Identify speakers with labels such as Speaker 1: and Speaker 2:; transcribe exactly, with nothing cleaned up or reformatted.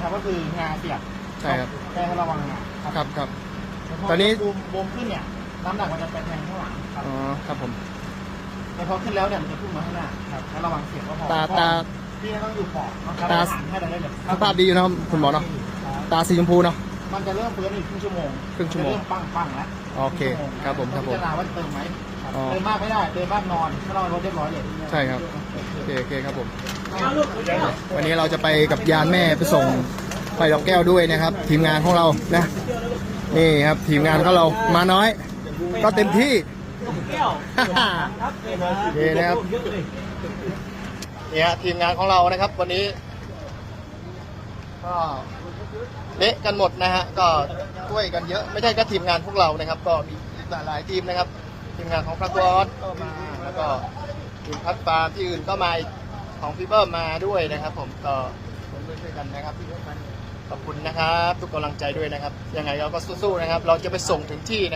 Speaker 1: ครับก็คืองาเสียบ
Speaker 2: ใช่ครับ
Speaker 1: แค่ให้ระวังงา
Speaker 2: ครับครับ
Speaker 1: ตอนนี้บูมบูมขึ้นเนี่ยน้ำหนักมันจะไปแทงข้างหลังครับ
Speaker 2: อ๋อครับผม
Speaker 1: แต่พอขึ้นแล้วเนี่ยมันจะพุ่งมาข้างหน้าครับให้ระวังเสียบก็พอ
Speaker 2: ตาตา
Speaker 1: พี่ต้องอยู่ปอดนะครับตาให้ได้เลย
Speaker 2: สภาพดีอยู่นะครับคุณหมอเนาะตาสีชมพูเนาะ
Speaker 1: มันจะเริ่มเฟื้นอีกครึ่งชั่วโมง
Speaker 2: ครึ่งชั่วโมง
Speaker 1: เริ่มปั้งปั้งแล้ว
Speaker 2: โอเคครับผมครับผม
Speaker 1: พิจารณาว่าเติมไหมเติมมากไม่ได้เติมมากนอนถ้าเรารถเรียบร้อยเลย
Speaker 2: ใช่ครับโอเคโอเคครับผมวันนี้เราจะไปกับยานแม่ไปส่งไปดอกแก้วด้วยนะครับ ทีมงานของเรานะนี่ครับทีมงานของเรามาน้อย ก็เต็มที่โอเคนะครับเนี่ยทีมงานของเรานะครับ วันนี้ก็เละกันหมดนะฮะก็ช่วยกันเยอะไม่ใช่แค่ทีมงานพวกเรานะครับ ก็มีหลายๆทีมนะครับ ทีมงานของพระกอสก็มาแล้วก็ทีมพัดฟาร์มที่อื่นก็มาของพี่เบิ้มมาด้วยนะครับ ผมก็ผมด้วยกันนะครับขอบคุณนะครับทุกกำลังใจด้วยนะครับยังไงเราก็สู้ๆนะครับ เราจะไปส่งถึงที่